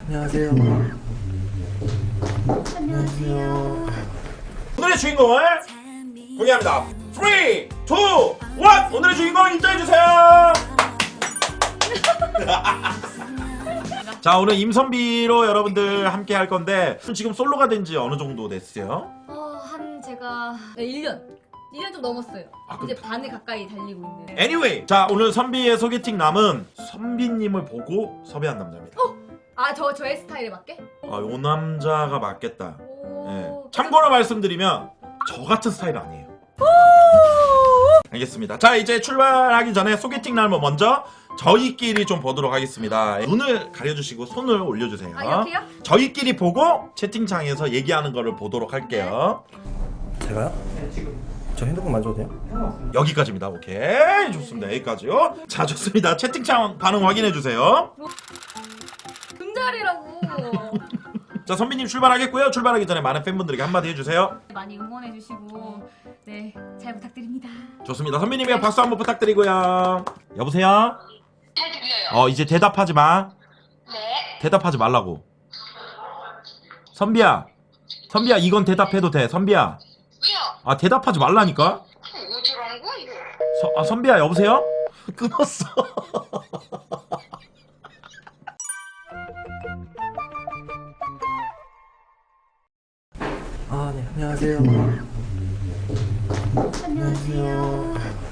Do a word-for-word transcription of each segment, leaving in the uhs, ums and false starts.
안녕하세요. 안녕하세요. 오늘의 주인공을 공개합니다. 삼, 이, 일. 오늘의 주인공 인정해주세요. 자, 오늘 임선비로 여러분들 함께 할 건데 지금 솔로가 된 지 어느 정도 됐어요? 어, 한 제가 네, 일 년. 일 년 좀 넘었어요. 아, 이제 그럼- 반을 가까이 달리고 있는. Anyway, 자, 오늘 선비의 소개팅 남은 선비님을 보고 섭외한 남자입니다. 아, 저 저의 스타일에 맞게? 아, 요 남자가 맞겠다. 오. 예. 참고로 말씀드리면 저 같은 스타일 아니에요. 알겠습니다. 자, 이제 출발하기 전에 소개팅 날뭐 먼저 저희끼리 좀 보도록 하겠습니다. 눈을 가려주시고 손을 올려주세요. 아, 이렇게요? 저희끼리 보고 채팅창에서 얘기하는 거를 보도록 할게요. 제가요? 네, 지금 저 핸드폰 만져도 돼요? 상관없습니다. 여기까지입니다. 오케이, 좋습니다. 여기까지요. 자, 좋습니다. 채팅창 반응 확인해주세요. 금자리라고. 자, 선비님 출발하겠고요. 출발하기 전에 많은 팬분들에게 한마디 해주세요. 많이 응원해주시고 네, 잘 부탁드립니다. 좋습니다. 선비님의 박수 한번 부탁드리고요. 여보세요? 잘 들려요. 어, 이제 대답하지 마. 네. 대답하지 말라고. 선비야, 선비야, 이건 대답해도 돼. 선비야, 왜요? 아, 대답하지 말라니까. 어쩌라는 거야 이거? 서, 아, 선비야, 여보세요? 끊었어. 아, 네. 안녕하세요. 안녕하세요.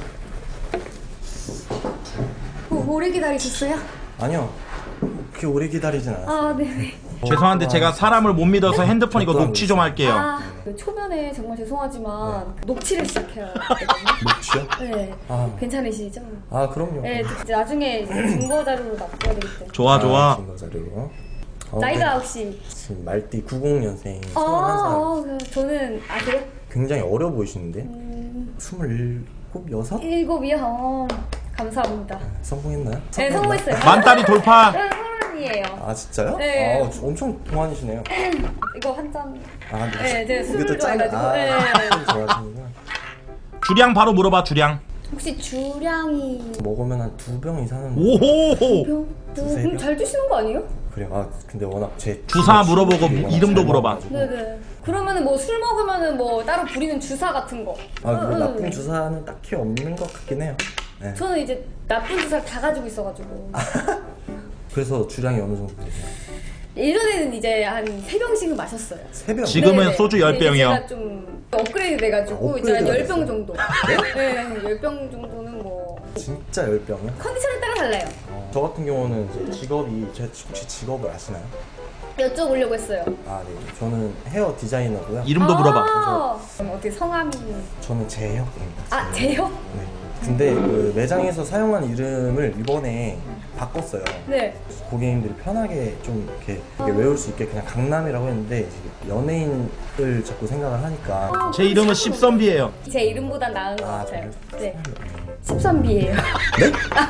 오, 오래 기다리셨어요? 아니요. 그렇게 오래 기다리진 않았어요. 아, 네네. 죄송한데 제가 사람을 못 믿어서 핸드폰 이거 녹취 좀 할게요. 아, 그 초면에 정말 죄송하지만 녹취를 시작해요. 녹취요? 네. 아, 괜찮으시죠? 아 그럼요. 네, 이제 나중에 이제 증거 자료로 납부해야 되기 때문에. 좋아, 좋아. 증거 자료. 어, 나이가 네. 혹시? 지금 말띠 구십 년생 아, 스물한 살. 아, 그 저는 아 그래? 굉장히 어려 보이시는데? 음, 스물일곱, 여섯? 일곱이요. 어, 감사합니다. 성공했나요? 네, 성공했어요. 만다리 돌파. 저는 서른이에요. 아 진짜요? 네. 아, 엄청 동안이시네요. 이거 한 잔. 아, 네, 제가 술을 이것도 짠- 좋아해가지고. 아, 네. 술 좋아하시는구나. 주량 바로 물어봐, 주량. 혹시 주량이 먹으면 한 두 병 이상은 오호. 병? 두세 음, 병? 잘 드시는 거 아니에요? 그래요. 아 근데 워낙 제 주사 물어보고 친구들이 워낙 이름도 잘 물어봐. 먹어가지고. 네네. 그러면은 뭐 술 먹으면은 뭐 따로 부리는 주사 같은 거. 아, 뭐 응, 나쁜 응. 주사는 딱히 없는 것 같긴 해요. 네. 저는 이제 나쁜 주사를 다 가지고 있어가지고. 그래서 주량이 어느 정도 되세요? 예전에는 이제 한 세 병씩은 마셨어요. 세 병? 지금은 네네. 소주 열 근데 병이요. 제가 좀 업그레이드 돼가지고 아, 이제 한 업그레이드가 열 병 됐어요? 정도. 네, 한 열 병 정도는 뭐 진짜 열 병이요? 컨디션에 따라 달라요. 어, 저 같은 경우는 이제 직업이 제 혹시 직업을 아시나요? 여쭤보려고 했어요. 아, 네. 저는 헤어 디자이너고요. 이름도 물어봐. 아, 그럼 어떻게 성함이? 저는 제혁입니다. 아, 제요? 네. 근데 그 매장에서 사용한 이름을 이번에 바꿨어요. 네. 고객님들이 편하게 좀 이렇게, 이렇게 외울 수 있게 그냥 강남이라고 했는데 이제 연예인을 자꾸 생각을 하니까 제 이름은 십선비예요. 제 이름보단 나은 것 아, 같아요. 그래요? 네. 십선비예요. 네?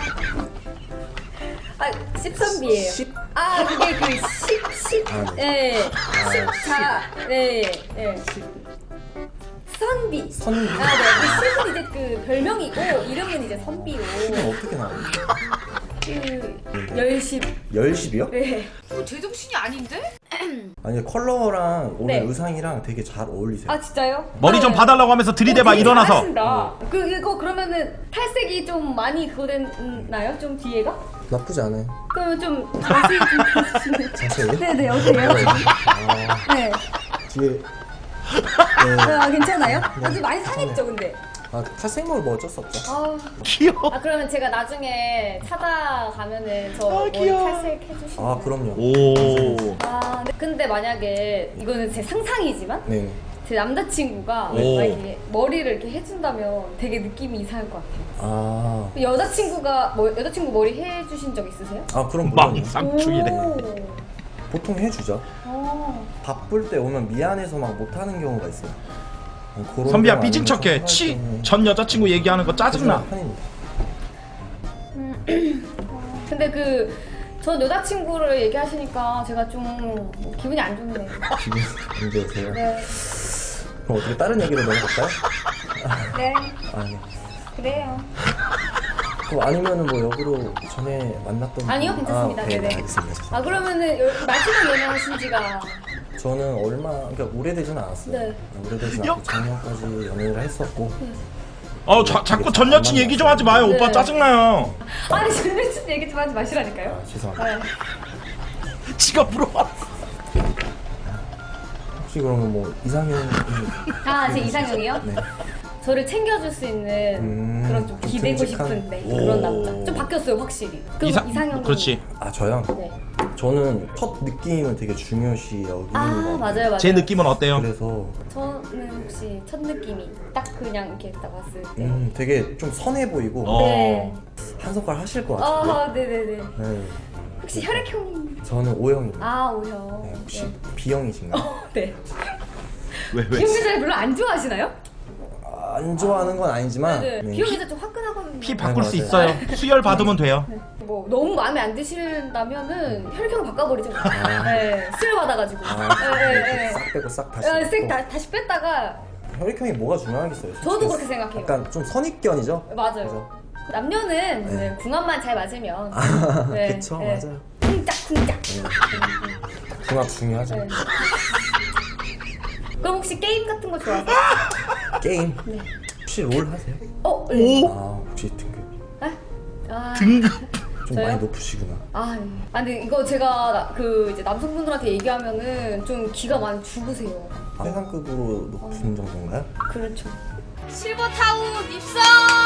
아, 십선비예요. 십? 아, 그게 그 십, 십. 아, 네. 네. 아, 십자. 네. 네. 선비. 선비. 아, 네. 그 십은 이제 그 별명이고 이름은 이제 선비로. 이건 어떻게 나와요? 그 열십. 열십이요? 네. 그거 제정신이 아닌데? 아니 컬러랑 오늘 네. 의상이랑 되게 잘 어울리세요. 아, 진짜요? 머리 좀 네. 봐달라고 하면서 들이대봐, 되게 일어나서. 잘하신다. 그 이거 그러면은 탈색이 좀 많이 그거 됐나요? 좀 뒤에가? 나쁘지 않아요. 그러면 좀 자세히 좀 해주시면. 자세히? 네네, 어때요? 아, 네. 뒤에 네. 아, 괜찮아요? 아주 많이 상했죠, 근데. 아, 탈색물 뭐 어쩔 수 없죠. 아, 귀여워. 아 그러면 제가 나중에 찾아가면은 저 아, 머리 귀여워. 탈색 해주시면. 아, 그럼요. 오. 아, 네. 근데 만약에 이거는 제 상상이지만 네. 제 남자친구가 오. 만약에 머리를 이렇게 해준다면 되게 느낌이 이상할 것 같아요. 아, 여자친구가 뭐 여자친구 머리 해주신 적 있으세요? 아 그럼 물론요. 망상충이네. 오. 보통 해주죠. 어. 바쁠 때 오면 미안해서 막 못하는 경우가 있어요. 그런 선비야, 경우 삐진 아니면 척해. 좀 치. 편할 때는 전 여자친구 얘기하는 거 짜증나. 해주는 편입니다. 근데 그 전 여자친구를 얘기하시니까 제가 좀 기분이 안 좋네요. 기분 안 좋으세요? 네. 그럼 어떻게 다른 얘기로 넘어갈까요? 네. 아, 네. 그래요. 뭐 아니면은 뭐 역으로 전에 만났던 아니요, 분- 괜찮습니다. 아, 네, 네네. 알겠습니다. 아 그러면은 요- 마지막 연애하신 지가 저는 얼마 그러니까 오래되지는 않았어요. 네. 오래되진 않고 작년까지 연애를 했었고. 어 자, 자꾸 전 여친 얘기 좀 하지 마요. 네. 오빠 짜증나요. 아니 전여친 얘기 좀 하지 마시라니까요. 아, 죄송합니다. 네. 지가 물어봐. 혹시 그러면 뭐 이상형이 아, 제 이상형이요? 네. 저를 챙겨줄 수 있는 음, 그런 좀 좀 기대고 듬직한? 싶은 네, 오. 그런 남자. 좀 바뀌었어요, 확실히. 그럼 이상- 이상형. 그렇지. 아 저요? 네. 저는 첫 느낌을 되게 중요시 여기는 아, 것 같아요. 맞아요, 맞아요. 제 느낌은 어때요? 그래서 저는 혹시 첫 느낌이 딱 그냥 이렇게 딱 봤을 때. 음, 되게 좀 선해 보이고 어. 네. 한 손가락 하실 것 같은데. 아, 네네네. 네. 혹시 혈액형이. 저는 O형입니다. 아, 오형. 네, 혹시 네. B형이신가요? 어, 네. 왜 왜? 비형 여자를 별로 안 좋아하시나요? 아, 안 좋아하는 건 아니지만 네. 네. 비형 여자 좀 화끈하거든요. 피 바꿀 네, 수 맞아요. 있어요. 수혈 받으면 돼요. 뭐 너무 마음에 안 드신다면은 혈액형을 바꿔버리죠. 아. 네, 수혈 받아가지고. 아, 네, 이렇게 네, 싹 빼고 싹 다시 네. 색 넣고. 다, 다시 뺐다가 혈액형이 뭐가 중요하겠어요? 저도 솔직히. 그렇게 생각해요. 약간 좀 선입견이죠? 맞아요. 그래서. 남녀는 네. 네, 궁합만 잘 맞으면 아, 네, 그쵸, 네. 맞아요. 쿵짝쿵짝. 네. 궁합 중요하죠. 네. 그럼 혹시 게임 같은 거 좋아하세요? 게임 네. 혹시 롤 하세요? 어, 네. 오 아 혹시 등급 아, 아, 등급. 좀 저요? 많이 높으시구나. 아, 네. 아, 근데 이거 제가 나- 그 이제 남성분들한테 얘기하면은 좀 기가 많이 죽으세요. 아, 최상급으로 높은 정도인가요? 그렇죠. 실버타운 입성.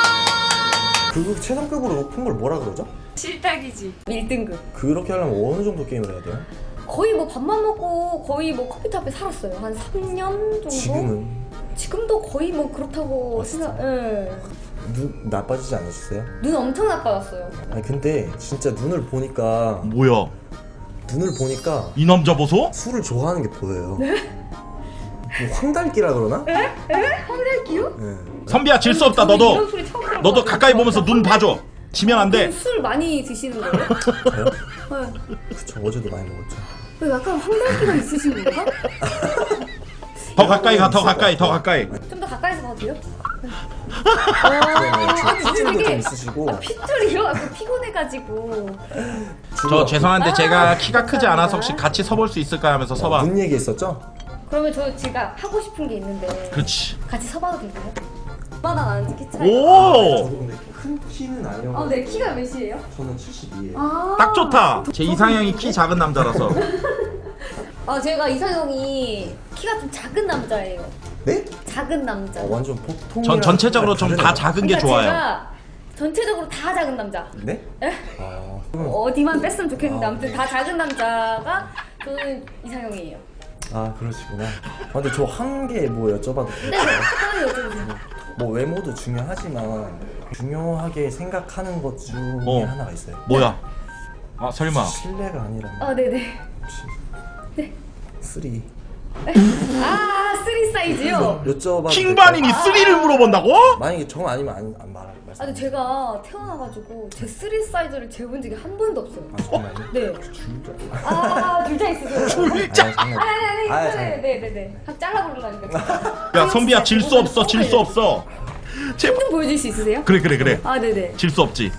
그 최상급으로 높은 걸 뭐라 그러죠? 실탁이지. 일 등급. 그렇게 하려면 어느 정도 게임을 해야 돼요? 거의 뭐 밥만 먹고 거의 뭐 컴퓨터 앞에 살았어요. 한 삼 년 정도? 지금은 지금도 거의 뭐 그렇다고 아, 진짜? 생각, 예. 눈 나빠지지 않으셨어요? 눈 엄청 나빠졌어요. 아니 근데 진짜 눈을 보니까 뭐야? 눈을 보니까 이 남자 보소? 술을 좋아하는 게 보여요. 네? 뭐 황달기라 그러나? 에? 황달기요? 네. 선비야 질 수 없다. 저는 이런 너도 소리 처음 들어봐요. 너도 가까이 보면서 눈 봐줘. 지면 안 돼. 그럼 술 많이 드시는 거예요? 저요? 네. 그쵸 어제도 많이 먹었죠. 왜 약간 황달기가 있으신 건가? 더 가까이 가. 더 가까이. 더 가까이. 좀 더 가까이서 봐도 돼요? 네, 아, 피증도 좀 되게- 있으시고 아, 핏줄이요? 약간 피곤해가지고. 저 죄송한데 제가 아, 키가 크지 않아서 혹시 같이 서볼 수 있을까 하면서 서봐. 눈 얘기했었죠? 그러면 저 제가 하고 싶은 게 있는데 그렇지. 같이 서봐도 될까요? 얼마나 나는지 키 차이. 오! 저도 근데 큰 키는 아니어서 아, 네, 키가 몇이에요? 저는 칠십이에요. 아, 딱 좋다. 제 이상형이 키 작은 남자라서. 아, 제가 이상형이 키가 좀 작은 남자예요. 네? 작은 남자. 어, 완전 보통. 전 전체적으로 좀 다 작은 게 그러니까 좋아요. 제가 전체적으로 다 작은 남자. 네? 에? 아, 어디만 뺐으면 좋겠는데 아. 아무튼 다 작은 남자가 저는 이상형이에요. 아 그러시구나. 아, 근데 저 한 개 뭐 여쭤봐도 네, 될까요? 편하게 여쭤보세요. 뭐 외모도 중요하지만 중요하게 생각하는 것 중에 어. 하나가 있어요. 뭐야? 아 설마. 실례가 아니라면 아, 네네. 혹시 네. 쓰리 아, 쓰리 사이즈요? 여쭤봐도 킹반인이 쓰리를 물어본다고? 될까요? 만약에 정 아니면 안, 안 말할 말씀. 아, 근데 제가 태어나가지고 제 쓰리 사이즈를 재본 적이 한 번도 없어요. 아 정말요? 네. 줄자. 아, 둘다 있으세요? 줄자. 아니 장난. 아니, 아니, 아, 아니, 장난. 네, 네, 네, 네. 각 잘라버리려니까. 야 선비야 질 수 없어. 질 수 없어. 제... 좀 보여줄 수 있으세요? 그래 그래 그래. 아, 네네. 질 수 없지.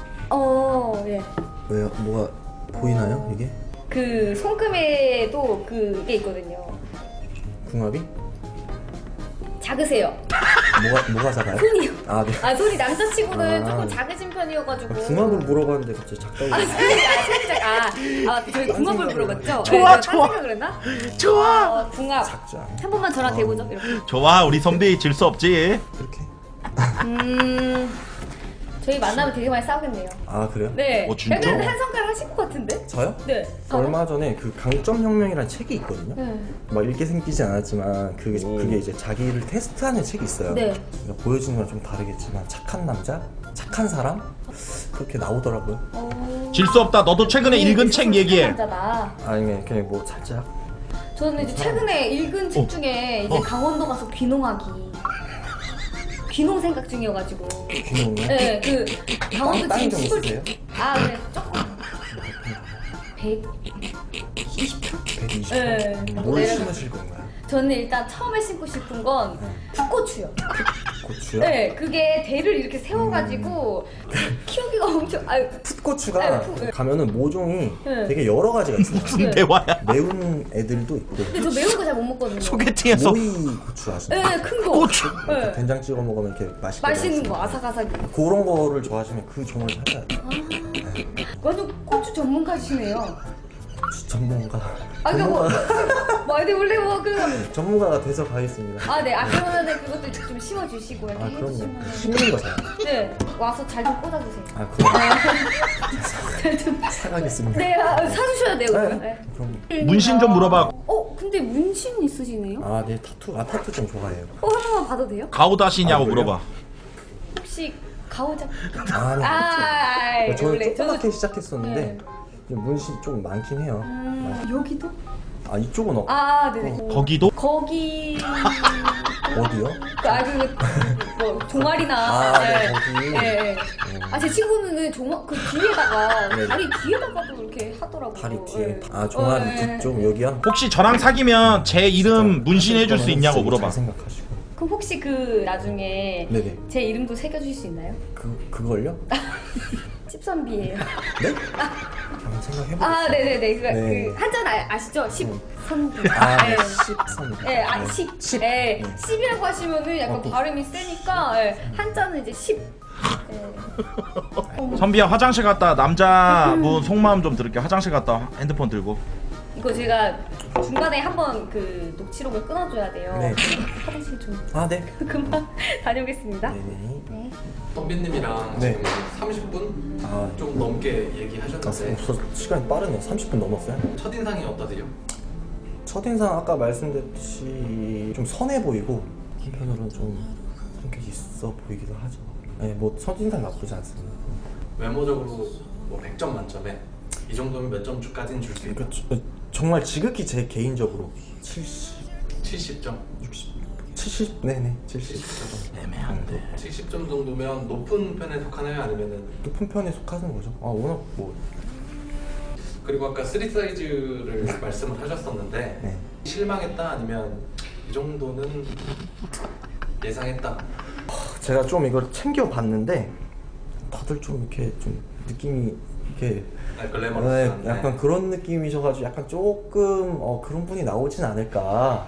어, 예. 왜요? 뭐가 보이나요 이게? 그 손금에도 그게 있거든요. 궁합이? 작으세요. 뭐가 뭐가 작아요? 손이요. 아 네. 아, 손이 남자치고는 아. 조금 작으신 편이어가지고. 궁합을 물어봤는데 갑자기 작다고. 아, 살짝, 살짝. 아, 아, 저희 궁합을 물어봤죠? 좋아, 네, 좋아. 딴 그랬나? 좋아. 어, 궁합. 작지 않아. 한 번만 저랑 대보죠, 이렇게. 좋아 우리 선비 질 수 없지. 이렇게. 음, 저희 만나면 되게 많이 싸우겠네요. 아 그래요? 네. 어, 진짜? 약간 한 성깔 하실 것 같은데? 저요? 네. 얼마 전에 그 강점혁명이라는 책이 있거든요. 네. 막 읽게 생기지 않았지만 그게 오. 그게 이제 자기를 테스트하는 책이 있어요. 네. 그러니까 보여지는 건 좀 다르겠지만 착한 남자, 착한 사람 그렇게 나오더라고요. 어... 질 수 없다. 너도 최근에 읽은 책 얘기해. 남자다. 아니면 그냥 뭐 살짝 저는 이제 최근에 읽은 책 어. 중에 이제 어. 강원도 가서 귀농하기. 귀농 생각 중이어가지고. 귀여운요. 네, 그 강원도 땅이 지금 좀 시골. 있으세요? 아, 네, 조금. 백이십 평? 백이십. 네. 뭘 내려가- 심으실 건가요? 저는 일단 처음에 심고 싶은 건 풋고추요. 고추요? 네, 그게 대를 이렇게 세워가지고 키워 엄청 아유 풋고추가 네, 풋, 네. 가면은 모종이 네. 되게 여러 가지가 있어요. 무슨 대화야? 매운 애들도 있고 근데 저 매운 거 잘 못 먹거든요. 소개팅에서 모이 고추 아시나요? 네, 큰 거. 고추. 네. 된장 찍어 먹으면 이렇게 맛있게 맛있는 먹을 거 수 있어요. 아삭아삭. 그런 거를 좋아하시면 그 종을 사야 돼요. 완전 고추 전문가시네요. 고추 전문가. 아 그러니까 뭐, 전문가. 뭐 근데 원래 뭐그 전문가가 돼서 가겠습니다. 아, 네. 아, 그러면은 그것도 좀 심어주시고 이렇게 아 그럼요. 해주시면 심는 거 사요. 네. 와서 잘 좀 꽂아주세요. 아 그럼 잘 좀. 사가겠습니다. 네, 아, 사주셔야 돼요. 그러면. 네. 네. 그럼 문신 좀 물어봐. 어, 근데 문신 있으시네요? 아 네 타투 아 타투 좀 좋아해요. 어, 한 번만 봐도 돼요? 가오다시냐고 아, 그래요? 물어봐. 혹시 가오작? 아니 아, 아, 저는 원래 조그맣게 저도- 시작했었는데 네. 이제 문신 좀 많긴 해요. 음, 여기도? 아 이쪽은 어, 아, 네네. 거기도? 거기. 어디요? 그, 아, 그, 뭐, 종아리나. 아, 네, 거기. 네, 네. 아, 제 친구는 종아, 그 뒤에다가, 네. 다리 뒤에다가도 이렇게 하더라고요. 다리 뒤에 네. 아 종아리 어, 네. 뒤쪽 여기요? 혹시 저랑 사귀면 제 이름 문신해줄 수 있냐고 물어봐. 잘 생각하시고. 그럼 혹시 그 나중에 네네. 제 이름도 새겨주실 수 있나요? 그 그걸요? 십선비예요. 네? 한번 생각해보겠습니다. 아, 네네네. 그, 네. 그 한자는 아, 아시죠? 십선비. 아, 네. 네. 십선. 네, 아, 십. 십. 네. 네. 십이라고 하시면은 약간 어, 또. 발음이 세니까, 네. 한자는 이제 십. 네. 어머. 선비야 화장실 갔다 남자분 속마음 좀 들을게. 화장실 갔다 핸드폰 들고. 이거 제가 중간에 한번 그 녹취록을 끊어줘야 돼요. 네. 화장실 좀 아 네. 금방 다녀오겠습니다. 네네. 네. 선배님이랑 네. 지금 삼십 분 아 좀 넘게 아, 얘기하셨는데 벌써 시간이 빠르네. 삼십 분 넘었어요. 첫인상이 어떠세요? 첫인상 아까 말씀드렸듯이 좀 선해 보이고 한편으로는 좀 성격이 있어 보이기도 하죠. 네, 뭐 첫인상 나쁘지 않습니다. 외모적으로 뭐 백 점 만점에 이 정도면 몇 점까지는 줄 수 있다? 그러니까 저- 정말 지극히 제 개인적으로 칠십, 칠십 점? 육십, 칠십, 네네 칠십 칠십 점. 애매한데. 칠십 점 정도면 높은 편에 속하나요? 아니면은 높은 편에 속하는 거죠. 아 워낙 뭐 그리고 아까 쓰리 사이즈를 말씀을 하셨었는데 네. 실망했다 아니면 이 정도는 예상했다. 제가 좀 이걸 챙겨 봤는데 다들 좀 이렇게 좀 느낌이 이렇게 아, 네, 글래머러스한데 약간 그런 느낌이셔가지고 약간 조금 어, 그런 분이 나오진 않을까.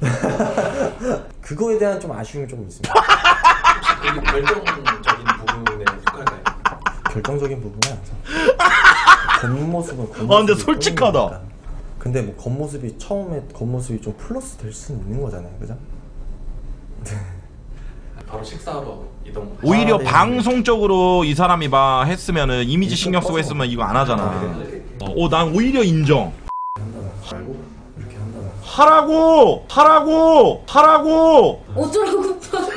그거에 대한 좀 아쉬움이 좀 있습니다. 그게 결정적인 부분에 속할까요? 결정적인 부분은 아니죠. 겉모습은 겉모습이 아, 근데 솔직하다. 뿐이니까. 근데 뭐 겉모습이 처음에 겉모습이 좀 플러스 될 수는 있는 거잖아요, 그죠? 바로 식사하러 이동. 오히려 아, 네. 방송적으로 이 사람이 막 했으면은 이미지 신경 쓰고 했으면 이거 안 하잖아. 어, 난 오히려 인정. 말고 이렇게 한다는. 하라고! 하라고! 하라고! 어쩌라고?